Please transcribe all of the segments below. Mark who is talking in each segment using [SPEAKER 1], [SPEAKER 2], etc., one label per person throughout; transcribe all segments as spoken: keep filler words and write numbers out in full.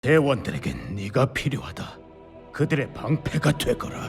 [SPEAKER 1] 대원들에겐 네가 필요하다. 그들의 방패가 되거라.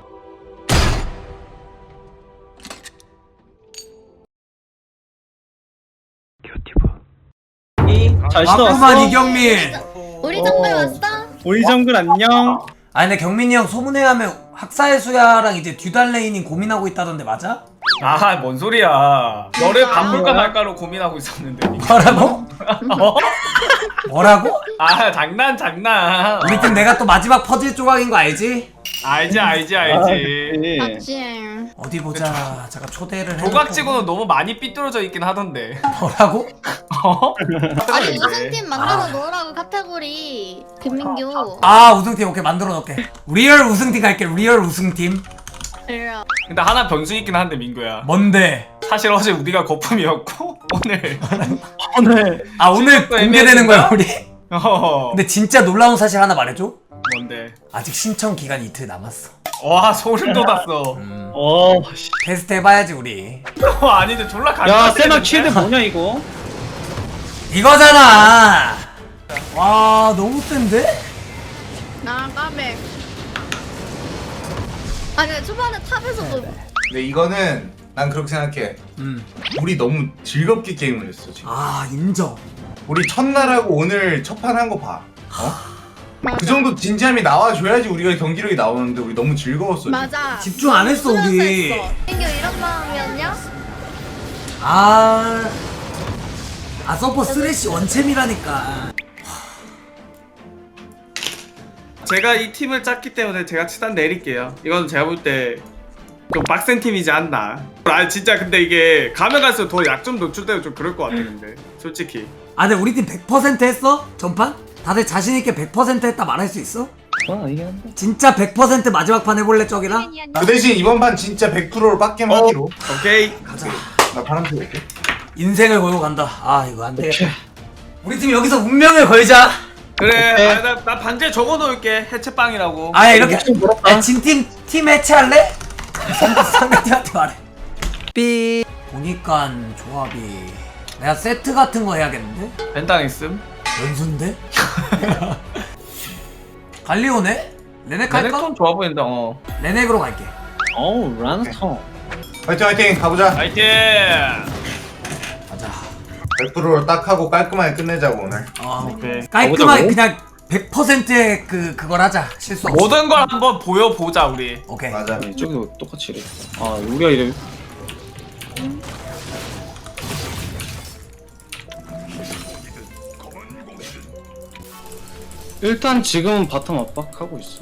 [SPEAKER 2] 잘
[SPEAKER 3] 왔구만
[SPEAKER 2] 신어왔어?
[SPEAKER 3] 이경민.
[SPEAKER 4] 우리 정글 왔어?
[SPEAKER 2] 우리 정글 안녕.
[SPEAKER 3] 아니 근데 경민이 형 소문에 하면 학사의 수야랑 이제 듀달레인이 고민하고 있다던데 맞아?
[SPEAKER 5] 아, 뭔 소리야. 너를 바꿀까 말까로 고민하고 있었는데.
[SPEAKER 3] 뭐라고?
[SPEAKER 5] 어?
[SPEAKER 3] 뭐라고?
[SPEAKER 5] 아, 장난, 장난.
[SPEAKER 3] 우리 팀 내가 또 마지막 퍼즐 조각인 거 알지?
[SPEAKER 5] 알지, 알지, 알지.
[SPEAKER 4] 맞지.
[SPEAKER 3] 어디 보자. 잠깐 초대를 해놓고.
[SPEAKER 5] 조각치고는 너무 많이 삐뚤어져 있긴 하던데.
[SPEAKER 3] 뭐라고?
[SPEAKER 5] 어?
[SPEAKER 4] 아니 우승팀 만들어 놓으라고 카테고리 김민규.
[SPEAKER 3] 아 우승팀 오케이 만들어 놓을게. 리얼 우승팀 갈게. 리얼 우승팀.
[SPEAKER 4] 이래요.
[SPEAKER 5] 근데 하나 변수 있긴 한데, 민구야.
[SPEAKER 3] 뭔데?
[SPEAKER 5] 사실 어제 우리가 거품이었고, 오늘.
[SPEAKER 2] 오늘
[SPEAKER 3] 아 오늘
[SPEAKER 5] 실력도
[SPEAKER 3] 공개되는 거야
[SPEAKER 5] 애매해진다?
[SPEAKER 3] 우리?
[SPEAKER 5] 어.
[SPEAKER 3] 근데 진짜 놀라운 사실 하나 말해줘?
[SPEAKER 5] 뭔데?
[SPEAKER 3] 아직 신청 기간 이틀 남았어.
[SPEAKER 5] 와, 소름 돋았어.
[SPEAKER 3] 음.
[SPEAKER 2] 어, 씨.
[SPEAKER 3] 테스트 해봐야지 우리.
[SPEAKER 5] 어, 아닌데, 졸라
[SPEAKER 2] 야
[SPEAKER 5] 간단해.
[SPEAKER 2] 세나 쉴드 뭐냐 이거?
[SPEAKER 3] 이거잖아. 와 너무 센데?
[SPEAKER 4] 나 까매. 아니 근데 초반에 탑에서도
[SPEAKER 6] 근데 이거는 난 그렇게 생각해.
[SPEAKER 3] 음.
[SPEAKER 6] 우리 너무 즐겁게 게임을 했어 지금.
[SPEAKER 3] 아 인정.
[SPEAKER 6] 우리 첫날하고 오늘 첫 판 한 거 봐. 어?
[SPEAKER 4] 맞아.
[SPEAKER 6] 그 정도 진지함이 나와줘야지 우리가 경기력이 나오는데 우리 너무 즐거웠어. 지금.
[SPEAKER 4] 맞아.
[SPEAKER 3] 집중 안 했어, 우리.
[SPEAKER 4] 훈련소 했어. 민규 이런 마음이었냐?
[SPEAKER 3] 아. 아 서퍼 쓰레쉬 원챔이라니까.
[SPEAKER 5] 제가 이 팀을 짰기 때문에 제가 치단 내릴게요. 이건 제가 볼 때 좀 빡센 팀이지 않나. 아 진짜 근데 이게 가면 갈수록 더 약점 노출되고 좀 그럴 것 같아 근데 솔직히.
[SPEAKER 3] 아 근데 우리 팀 백 퍼센트 했어? 전판? 다들 자신있게 백 퍼센트 했다 말할 수 있어?
[SPEAKER 2] 와 이게 한데.
[SPEAKER 3] 진짜 백 퍼센트 마지막 판 해볼래 저기랑?
[SPEAKER 6] 그 대신 이번 판 진짜 백 퍼센트로 빡겜 하기로.
[SPEAKER 5] 오케이.
[SPEAKER 3] 가자.
[SPEAKER 6] 나 바람 피울게.
[SPEAKER 3] 인생을 걸고 간다. 아 이거 안 되겠다. 우리 팀 여기서 운명을 걸자.
[SPEAKER 5] 그래. 아, 나, 나 반지에 적어놓을게. 해체빵이라고.
[SPEAKER 3] 아 이렇게
[SPEAKER 2] 목숨 걸었다.
[SPEAKER 3] 진팀 팀 해체할래? 상대- 상대팀한테 말해. 삐 보니까 조합이 내가 세트 같은 거 해야겠는데?
[SPEAKER 5] 벤당 있음.
[SPEAKER 3] 연수인데? 갈리오네? 레넥 할까?
[SPEAKER 5] 레넥톤 좋아 보인다. 어.
[SPEAKER 3] 레넥으로 갈게.
[SPEAKER 2] 어우 라나톤.
[SPEAKER 6] 화이팅 화이팅 가보자.
[SPEAKER 5] 파이팅.
[SPEAKER 3] 가자.
[SPEAKER 6] 백 퍼센트로 딱 하고 깔끔하게 끝내자고 오늘.
[SPEAKER 3] 어,
[SPEAKER 5] 오케이.
[SPEAKER 3] 깔끔하게
[SPEAKER 2] 가보자고?
[SPEAKER 3] 그냥 백 퍼센트의 그 그걸 하자. 실수 없이.
[SPEAKER 5] 모든 걸 한번 보여보자 우리.
[SPEAKER 3] 오케이.
[SPEAKER 6] 맞아.
[SPEAKER 2] 아니 저기도 똑같이 이래. 아 우리가 이래. 일단 지금은 바텀 압박하고 있어.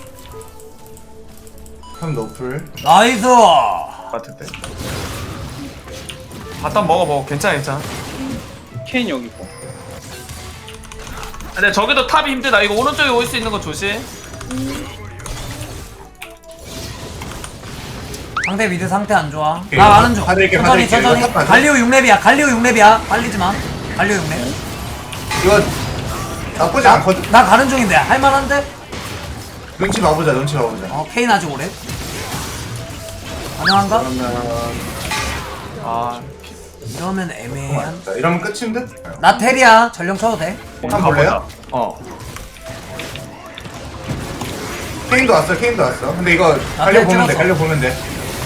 [SPEAKER 6] 참 노플.
[SPEAKER 3] 나이스.
[SPEAKER 5] 같은데. 바텀 먹어 먹어. 괜찮아 괜찮아.
[SPEAKER 2] 케인 여기 있고.
[SPEAKER 5] 근데 저기도 탑이 힘들다. 이거 오른쪽에 올 수 있는 거 조심.
[SPEAKER 3] 상대 미드 상태 안 좋아.
[SPEAKER 6] 오케이.
[SPEAKER 3] 나 아는 중.
[SPEAKER 6] 받을게,
[SPEAKER 3] 천천히
[SPEAKER 6] 받을게.
[SPEAKER 3] 천천히.
[SPEAKER 6] 이거 탑 받아.
[SPEAKER 3] 갈리오 육 렙이야. 갈리오 육 렙이야. 빨리지 마. 갈리오 육 렙.
[SPEAKER 6] 이거 나쁘지 않거든.
[SPEAKER 3] 나 가는 중인데 할만한데?
[SPEAKER 6] 눈치 봐보자 눈치 봐보자.
[SPEAKER 3] 어 케인 아직 오래. 가능한가?
[SPEAKER 6] 그러면
[SPEAKER 5] 아.
[SPEAKER 3] 이러면 애매한.
[SPEAKER 6] 자, 이러면 끝인 듯.
[SPEAKER 3] 나 텔이야. 전령 쳐도 돼.
[SPEAKER 6] 한번 볼래요?
[SPEAKER 5] 어.
[SPEAKER 6] 케인도 왔어 케인도 왔어. 근데 이거 갈려 보면 돼
[SPEAKER 3] 찍었어.
[SPEAKER 6] 갈려 보면 돼.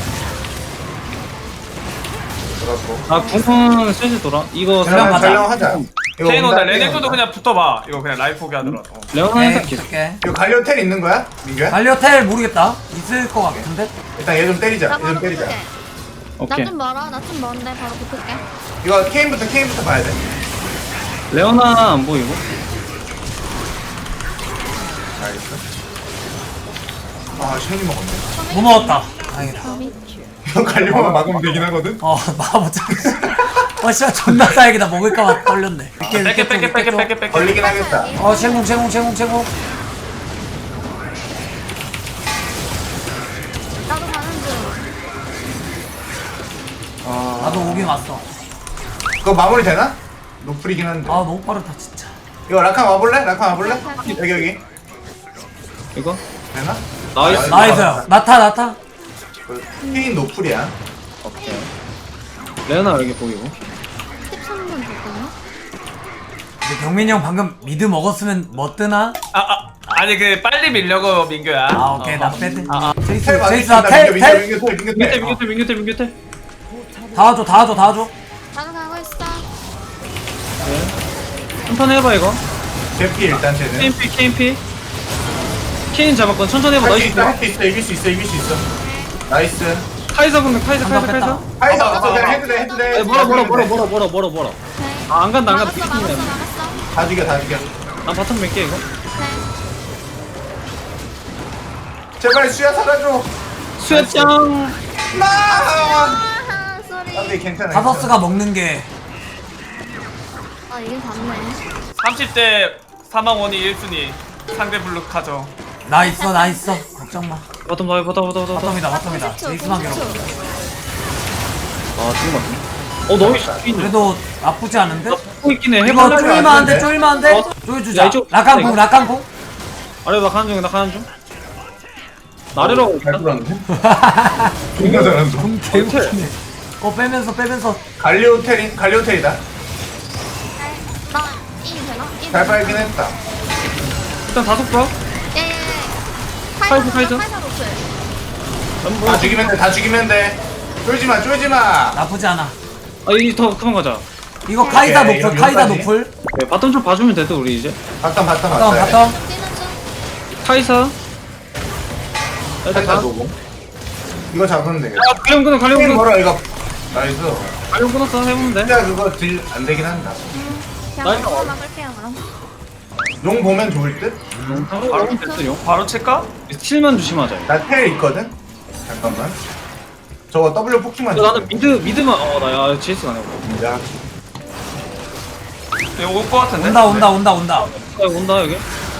[SPEAKER 6] 들어갔고.
[SPEAKER 2] 아 궁은 슬슬 돌아. 이거
[SPEAKER 3] 전령 가자.
[SPEAKER 6] 촬영하자. 이거
[SPEAKER 5] 케인 온다.
[SPEAKER 6] 온다,
[SPEAKER 5] 레넥도
[SPEAKER 6] 온다.
[SPEAKER 5] 그냥 붙어봐. 이거 그냥 라이프 포기 하더라도.
[SPEAKER 2] 레오나
[SPEAKER 3] 오케이.
[SPEAKER 2] 살짝 계속.
[SPEAKER 3] 줄게.
[SPEAKER 6] 이거 갈려 텔 있는 거야? 민규야?
[SPEAKER 3] 갈리오 텔 모르겠다. 있을 것 같은데?
[SPEAKER 6] 일단 얘 좀 때리자.
[SPEAKER 4] 나
[SPEAKER 6] 얘 좀
[SPEAKER 4] 바로
[SPEAKER 6] 때리자.
[SPEAKER 4] 붙을게.
[SPEAKER 2] 오케이.
[SPEAKER 4] 나 좀 멀어. 나 좀 먼데 바로 붙을게.
[SPEAKER 6] 이거 케인부터 케인부터 봐야 돼.
[SPEAKER 2] 레오나 안 보이고.
[SPEAKER 6] 알겠어. 아 쉐니 먹었네.
[SPEAKER 3] 못 먹었다. 다행이다.
[SPEAKER 6] 이거 갈려만 막으면 되긴 하거든.
[SPEAKER 3] 어 막아보자. 어 씨발 존나 싸야겠다. 먹을까봐 떨렸네.
[SPEAKER 5] 뺄게 뺄게 뺄게 뺄게 뺄게.
[SPEAKER 6] 걸리긴 하겠다.
[SPEAKER 3] 어 채공 채공 채공 채공.
[SPEAKER 4] 나도 가는 중.
[SPEAKER 6] 아
[SPEAKER 3] 나도 오긴 왔어.
[SPEAKER 6] 그거 마무리 되나? 노플이긴 한데.
[SPEAKER 3] 아 너무 빠르다 진짜.
[SPEAKER 6] 이거 라칸 와볼래? 라칸 와볼래? 여기 여기.
[SPEAKER 2] 이거.
[SPEAKER 6] 되나?
[SPEAKER 2] 나이스.
[SPEAKER 3] 나이스. 나타 나타.
[SPEAKER 6] 그 케인 노플이야.
[SPEAKER 2] 오케이. 레오나 여기 보이고.
[SPEAKER 4] 십삼 분 됐거든요?
[SPEAKER 3] 경민이 형 방금 미드 먹었으면 뭐 뜨나?
[SPEAKER 5] 아, 아 아니 그 빨리 밀려고 민규야.
[SPEAKER 3] 아 오케이
[SPEAKER 5] 어.
[SPEAKER 3] 나 빼드
[SPEAKER 5] 아, 아.
[SPEAKER 3] 제이스
[SPEAKER 6] 텔 많이
[SPEAKER 3] 제이스
[SPEAKER 6] 쓴다, 민규,
[SPEAKER 3] 텔텔
[SPEAKER 6] 민규, 민규, 민규,
[SPEAKER 2] 민규태
[SPEAKER 6] 텔.
[SPEAKER 2] 민규태 민규태 민규태.
[SPEAKER 3] 다 와줘 다 와줘 다 와줘
[SPEAKER 4] 나도 가고 있어.
[SPEAKER 2] 천천히 해봐 이거.
[SPEAKER 6] 제피 일단 쟤는.
[SPEAKER 2] 케인피 케인피. 케인 잡았건 천천히 해봐.
[SPEAKER 6] 할 수
[SPEAKER 2] 나이스.
[SPEAKER 6] 있어, 할 수 있어, 이길 수 있어, 이길 수 있어. 나이스.
[SPEAKER 2] 카이사 근데 카이사 카이사
[SPEAKER 3] 한번
[SPEAKER 2] 카이사.
[SPEAKER 6] 하이사
[SPEAKER 5] 아,
[SPEAKER 6] 없어,
[SPEAKER 5] 아,
[SPEAKER 6] 그냥
[SPEAKER 5] 아.
[SPEAKER 6] 해도 돼, 해도 돼.
[SPEAKER 2] 아니, 뭐라 뭐라 뭐라 뭐라 뭐라 뭐라 뭐라.
[SPEAKER 4] 오케이.
[SPEAKER 2] 아, 안 간다 안 간다.
[SPEAKER 4] 막았어 막았어 막았어.
[SPEAKER 6] 다 죽여, 다 죽여.
[SPEAKER 2] 난 바텀 몇 개 이거.
[SPEAKER 4] 오케이.
[SPEAKER 6] 제발 수야 사라져.
[SPEAKER 2] 수야짱.
[SPEAKER 6] 나.
[SPEAKER 4] 아하 소리.
[SPEAKER 6] 안돼, 괜찮아.
[SPEAKER 3] 다서스가 먹는 게
[SPEAKER 4] 아 이게 맞네.
[SPEAKER 5] 삼십 대 사망 원이 일 순위. 상대 블루카죠.
[SPEAKER 3] 나 있어 나 있어 걱정 마
[SPEAKER 2] 바텀 나와 바텀 바텀 바텀 바텀.
[SPEAKER 3] 바텀이다 바텀이다 제이스만 괴롭혀
[SPEAKER 2] 아 지금 맞네. 어 너무 이
[SPEAKER 3] 그래도 나쁘지 않은데?
[SPEAKER 2] 고 있긴 해.
[SPEAKER 3] 이거
[SPEAKER 2] 해볼래?
[SPEAKER 3] 쪼이면 안돼 쪼이면 안돼
[SPEAKER 2] 어?
[SPEAKER 3] 쪼여주자
[SPEAKER 2] 야, 이쪽-
[SPEAKER 3] 라칸콩 라칸콩
[SPEAKER 2] 아래 나 가는 중 나 가는 중. 나래로
[SPEAKER 6] 잘 돌았는데? 존나 잘한다.
[SPEAKER 3] 공 개웃기네 어 빼면서 빼면서
[SPEAKER 6] 갈리오텔이, 갈리오텔이다.
[SPEAKER 4] 나이 되나? 이
[SPEAKER 6] 잘 빨긴 했다.
[SPEAKER 2] 일단 다섯 번.
[SPEAKER 4] 예예.
[SPEAKER 2] 카이사, 카이사.
[SPEAKER 4] 카이사 노출.
[SPEAKER 6] 다 죽이면 돼, 다 죽이면 돼. 쫄지 마, 쫄지 마.
[SPEAKER 3] 나쁘지 않아
[SPEAKER 2] 아 이제 더 그만 가자.
[SPEAKER 3] 이거 카이사
[SPEAKER 6] 오케이,
[SPEAKER 3] 노플
[SPEAKER 6] 이거
[SPEAKER 3] 카이사
[SPEAKER 6] 여기까지.
[SPEAKER 3] 노플
[SPEAKER 2] 네, 바텀 좀 봐주면 돼도 우리 이제.
[SPEAKER 6] 바텀, 바텀
[SPEAKER 3] 바텀
[SPEAKER 6] 왔다.
[SPEAKER 3] 바텀
[SPEAKER 4] 뛰는 중.
[SPEAKER 2] 카이사. 일단
[SPEAKER 6] 살짝
[SPEAKER 2] 가.
[SPEAKER 6] 노고. 이거 잡으면 되겠다.
[SPEAKER 2] 야 갈려 끊어 갈려
[SPEAKER 6] 게임
[SPEAKER 2] 끊어.
[SPEAKER 6] 걸어, 이거. 나이스.
[SPEAKER 2] 갈려 끊었어 해보면 돼.
[SPEAKER 6] 진짜 그거 딜 안 되긴 한다.
[SPEAKER 4] 그냥
[SPEAKER 2] 나이스.
[SPEAKER 4] 먹고 막을게요 그럼.
[SPEAKER 6] 용 보면 좋을 듯?
[SPEAKER 2] 바로 됐어 용.
[SPEAKER 5] 바로 칠까?
[SPEAKER 2] 칠만 조심하자. 이거.
[SPEAKER 6] 나 텔 있거든? 잠깐만. 저거 W 포킹만
[SPEAKER 2] 근데 나는 미드 미드만 어나야 제이스 가네.
[SPEAKER 6] 야,
[SPEAKER 5] 이거 올 것 같은데?
[SPEAKER 3] 온다 온다 온다 온다
[SPEAKER 2] 아 온다 여기.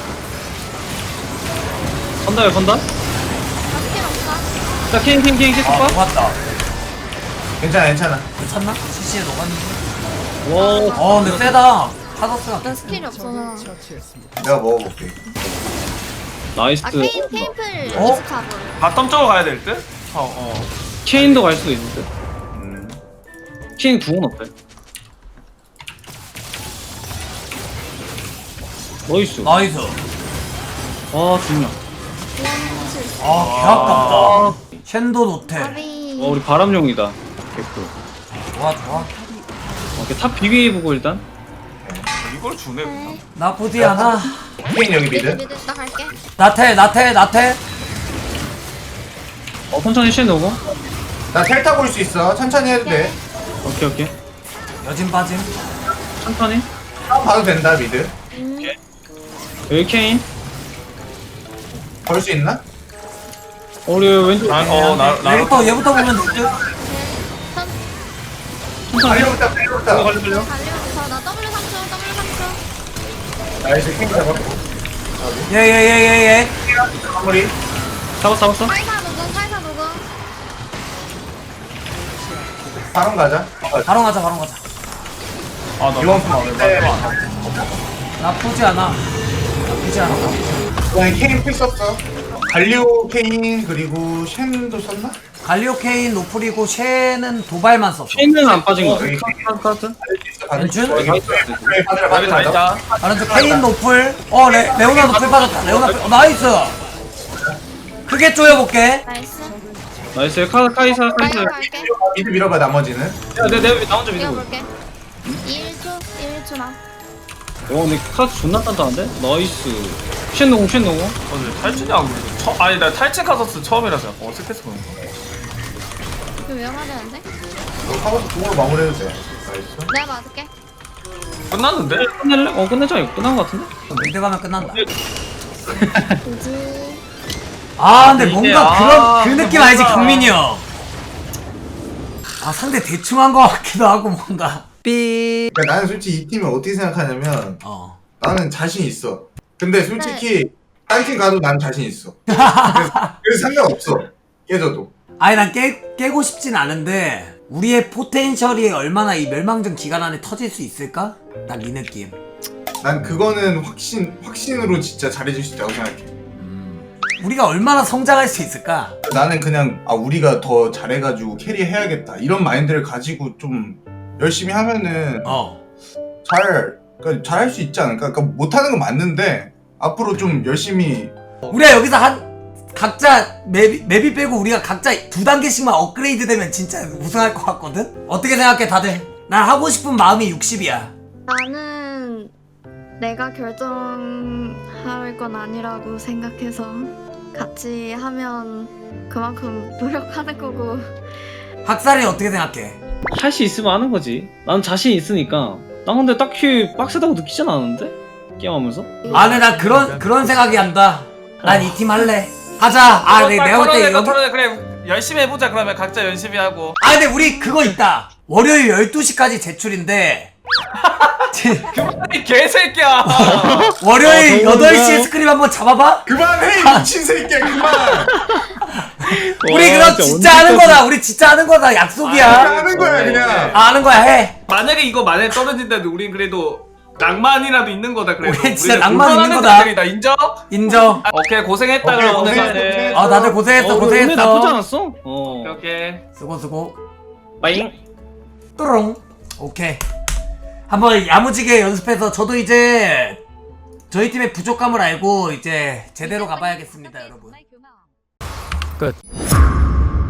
[SPEAKER 2] 건다 여기 건다.
[SPEAKER 4] 나 스킬 없어.
[SPEAKER 2] 자 킹 킹 킹 계속
[SPEAKER 3] 아
[SPEAKER 2] 봐.
[SPEAKER 3] 녹았다
[SPEAKER 6] 괜찮아, 괜찮아.
[SPEAKER 3] 괜찮나? 씨씨에 녹았는데
[SPEAKER 2] 와.
[SPEAKER 3] 어 근데 세다 타더스가
[SPEAKER 4] 나 스킬이 없어서.
[SPEAKER 6] 내가 먹어볼게.
[SPEAKER 2] 나이스.
[SPEAKER 4] 아 케인 케인플
[SPEAKER 3] 어?
[SPEAKER 4] 리스카브.
[SPEAKER 5] 바텀 쪽으로 가야 될 듯? 어, 어.
[SPEAKER 2] 케인도 갈 수도 있는데.
[SPEAKER 6] 음.
[SPEAKER 2] 케인 구원 어때? 나이스.
[SPEAKER 3] 나이스
[SPEAKER 2] 아 중요.
[SPEAKER 3] 아 개아깝다 챈도 노텔
[SPEAKER 4] 아비.
[SPEAKER 2] 어 우리 바람용이다. 개꿀.
[SPEAKER 3] 좋아 좋아
[SPEAKER 2] 오케이 탑 비교해보고 일단.
[SPEAKER 5] 이걸 주네, 그냥.
[SPEAKER 3] 나쁘지 않아
[SPEAKER 6] 케인 여기
[SPEAKER 4] 미드
[SPEAKER 6] 미드.
[SPEAKER 4] 미드 나 갈게.
[SPEAKER 3] 나텔 나텔 나텔
[SPEAKER 2] 어 천천히 쉔 오고.
[SPEAKER 6] 나 텔 타고 올 수 있어. 천천히 해도 돼.
[SPEAKER 2] 오케이 오케이.
[SPEAKER 3] 여진 빠짐
[SPEAKER 2] 천천히.
[SPEAKER 6] 한번 봐도 된다, 미드.
[SPEAKER 4] 음.
[SPEAKER 2] 여기 케인.
[SPEAKER 6] 걸 수 있나?
[SPEAKER 2] 어, 우리 왼쪽.
[SPEAKER 5] 아, 어, 나, 나.
[SPEAKER 3] 얘부터 얘부터 보면 되지
[SPEAKER 4] 선
[SPEAKER 2] 천천히.
[SPEAKER 6] 갈려부터,
[SPEAKER 2] 이거
[SPEAKER 6] 갈려부터.
[SPEAKER 2] 갈려 갈려.
[SPEAKER 4] 달려서 나 W 삼 초 W 삼 초.
[SPEAKER 6] 나이스, 케인 잡았고.
[SPEAKER 3] 예예예예예
[SPEAKER 6] 마무리.
[SPEAKER 2] 잡았어 잡았어.
[SPEAKER 4] 카이사 누군 카이사 누군.
[SPEAKER 6] 바로 가자. 어,
[SPEAKER 3] 바로 가자 바로 가자
[SPEAKER 5] 아, 나
[SPEAKER 6] 이번
[SPEAKER 5] 바텀 안
[SPEAKER 6] 때
[SPEAKER 5] 해.
[SPEAKER 3] 나쁘지 않아 나쁘지 않아
[SPEAKER 6] 그냥 케인 필 썼어. 갈리오 케인 그리고 쉔도 썼나?
[SPEAKER 3] 갈리오 케인 노플이고 쉐는 도발만 썼어
[SPEAKER 2] 케인은 안 빠진 거.
[SPEAKER 6] 여기
[SPEAKER 2] 카드 카드.
[SPEAKER 3] 렌준?
[SPEAKER 6] 여기 받으라
[SPEAKER 5] 답이 다
[SPEAKER 6] 받으라.
[SPEAKER 5] 있다.
[SPEAKER 3] 다른 쪽 케인 노플 어 레, 레오나 노플 빠졌다 레오나 어, 나이스 크게 쪼여볼게
[SPEAKER 4] 나이스.
[SPEAKER 2] 나이스 카 카이사
[SPEAKER 4] 카이사
[SPEAKER 2] 카이사.
[SPEAKER 4] 갈게.
[SPEAKER 6] 미드 밀어봐 나머지는.
[SPEAKER 2] 야내내나 혼자 믿고.
[SPEAKER 4] 이겨볼게. 일 초 일 초나.
[SPEAKER 2] 와 근데 카드 존나 단단한데? 나이스. 쉔 노공 쉔 노공.
[SPEAKER 5] 어, 근데 탈진이하고 처, 아니 나 탈진 카서스 처음이라서 약간 어색해서 그런 거.
[SPEAKER 4] 이거 위험하다는데?
[SPEAKER 6] 너 카고스 공으로 마무리해도 돼. 나이스.
[SPEAKER 4] 내가 맞을게.
[SPEAKER 5] 끝났는데?
[SPEAKER 2] 끝낼래? 어 끝내자 이거 끝난 거 같은데?
[SPEAKER 3] 미드 가면 끝난다
[SPEAKER 4] 그지.
[SPEAKER 3] 아 근데
[SPEAKER 5] 이게,
[SPEAKER 3] 뭔가
[SPEAKER 5] 아,
[SPEAKER 3] 그런 그 느낌
[SPEAKER 5] 뭔가.
[SPEAKER 3] 알지 경민이 형. 아 상대 대충 한 거 같기도 하고 뭔가 삐.
[SPEAKER 6] 그러니까 나는 솔직히 이 팀을 어떻게 생각하냐면
[SPEAKER 3] 어.
[SPEAKER 6] 나는 자신 있어. 근데 솔직히
[SPEAKER 4] 네.
[SPEAKER 6] 딴 팀 가도 난 자신 있어. 그래서, 그래서 상관없어. 깨져도.
[SPEAKER 3] 아니 난 깨, 깨고 싶진 않은데 우리의 포텐셜이 얼마나 이 멸망전 기간 안에 터질 수 있을까? 난 이 느낌.
[SPEAKER 6] 난 그거는 확신 확신으로 진짜 잘해줄 수 있다고 생각해.
[SPEAKER 3] 우리가 얼마나 성장할 수 있을까?
[SPEAKER 6] 나는 그냥 아 우리가 더 잘해가지고 캐리해야겠다 이런 마인드를 가지고 좀 열심히 하면은
[SPEAKER 3] 어.
[SPEAKER 6] 잘 그러니까 잘할 수 있지 않을까? 그러니까 못하는 건 맞는데 앞으로 좀 열심히
[SPEAKER 3] 우리가 여기서 한 각자 맵이, 맵이 빼고 우리가 각자 두 단계씩만 업그레이드 되면 진짜 우승할 것 같거든? 어떻게 생각해 다들? 난 하고 싶은 마음이 육십이야.
[SPEAKER 4] 나는 내가 결정할 건 아니라고 생각해서 같이 하면 그만큼 노력하는 거고.
[SPEAKER 3] 학살이 어떻게 생각해?
[SPEAKER 2] 할 수 있으면 하는 거지. 난 자신 있으니까. 난 근데 딱히 빡세다고 느끼진 않았는데? 게임하면서?
[SPEAKER 3] 아 근데 난 그런 그런 생각이 한다. 난 이 팀 할래. 하자. 아 네, 내가 볼 때 여기
[SPEAKER 5] 그래 열심히 해보자. 그러면 각자 열심히 하고.
[SPEAKER 3] 아 근데 우리 그거 있다. 월요일 열두 시까지 제출인데
[SPEAKER 5] 이 개새끼야.
[SPEAKER 3] 월요일
[SPEAKER 2] 어,
[SPEAKER 3] 여덟 시에
[SPEAKER 2] 그런가요?
[SPEAKER 3] 스크림 한번 잡아봐?
[SPEAKER 6] 그만해 미친 새끼야 그만.
[SPEAKER 3] 우리 그럼 진짜 하는 거다. 우리 진짜 하는 거다. 약속이야.
[SPEAKER 6] 하는 거야 그냥.
[SPEAKER 3] 아, 하는 거야 해.
[SPEAKER 5] 만약에 이거 만약에 떨어진다면 우린 그래도 낭만이라도 있는 거다. 그래도
[SPEAKER 3] 우리 진짜
[SPEAKER 5] 우리는
[SPEAKER 3] 낭만 있는
[SPEAKER 5] 불편하는
[SPEAKER 3] 거다.
[SPEAKER 5] 자들이다. 인정?
[SPEAKER 3] 인정.
[SPEAKER 5] 오케이 고생했다.
[SPEAKER 6] 오케이,
[SPEAKER 5] 그럼 오늘
[SPEAKER 6] 고생했어,
[SPEAKER 5] 가네.
[SPEAKER 6] 고생했어.
[SPEAKER 3] 아 다들 고생했어
[SPEAKER 2] 어, 오늘 나쁘지
[SPEAKER 3] 고생했어.
[SPEAKER 2] 않았어? 어.
[SPEAKER 5] 오케이 오케이.
[SPEAKER 3] 수고 수고.
[SPEAKER 2] 빠잉.
[SPEAKER 3] 또롱. 오케이. 한번 야무지게 연습해서 저도 이제 저희 팀의 부족함을 알고 이제 제대로 가봐야겠습니다, 여러분.
[SPEAKER 1] 끝.